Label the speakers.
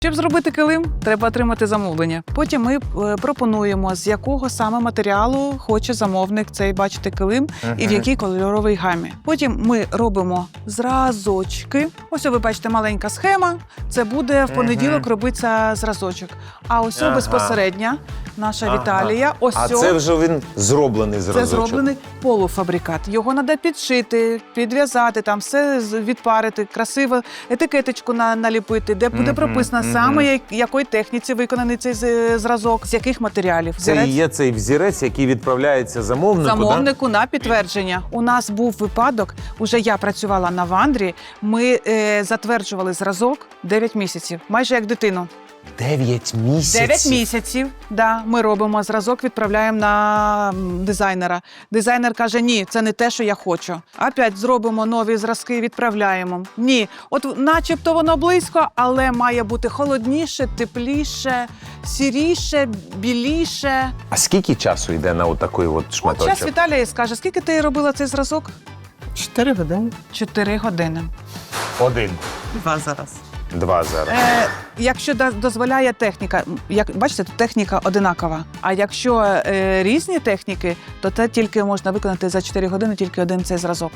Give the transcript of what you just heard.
Speaker 1: Щоб зробити килим, треба отримати замовлення. Потім ми пропонуємо, з якого саме матеріалу хоче замовник цей, бачите, килим і в якій кольоровій гамі. Потім ми робимо зразочки. Ось ви бачите, маленька схема. Це буде в понеділок робиться зразочок. А ось безпосередньо наша Віталія. Ось
Speaker 2: а це вже він зроблений зразочок?
Speaker 1: Це зроблений полуфабрикат. Його треба підшити, підв'язати, там все відпарити, красиво етикеточку наліпити, де буде прописано саме, якої техніці виконаний цей зразок, з яких матеріалів.
Speaker 2: Це і є цей взірець, який відправляється замовнику,
Speaker 1: на підтвердження. У нас був випадок, уже я працювала на Вандрі, ми затверджували зразок 9 місяців, майже як дитину.
Speaker 2: 9 місяців?
Speaker 1: 9 місяців, да. Ми робимо зразок, відправляємо на дизайнера. Дизайнер каже, ні, це не те, що я хочу. Опять зробимо нові зразки, відправляємо. Ні, от начебто воно близько, але має бути холодніше, тепліше, сіріше, біліше.
Speaker 2: А скільки часу йде на отакий от шматочок?
Speaker 1: От зараз Віталія скаже, скільки ти робила цей зразок?
Speaker 3: 4 години.
Speaker 1: 4 години.
Speaker 2: 1.
Speaker 3: 2 зараз.
Speaker 2: 2 зараз.
Speaker 1: Якщо дозволяє техніка, як бачите, тут техніка одинакова. А якщо різні техніки, то це тільки можна виконати за 4 години, тільки один цей зразок.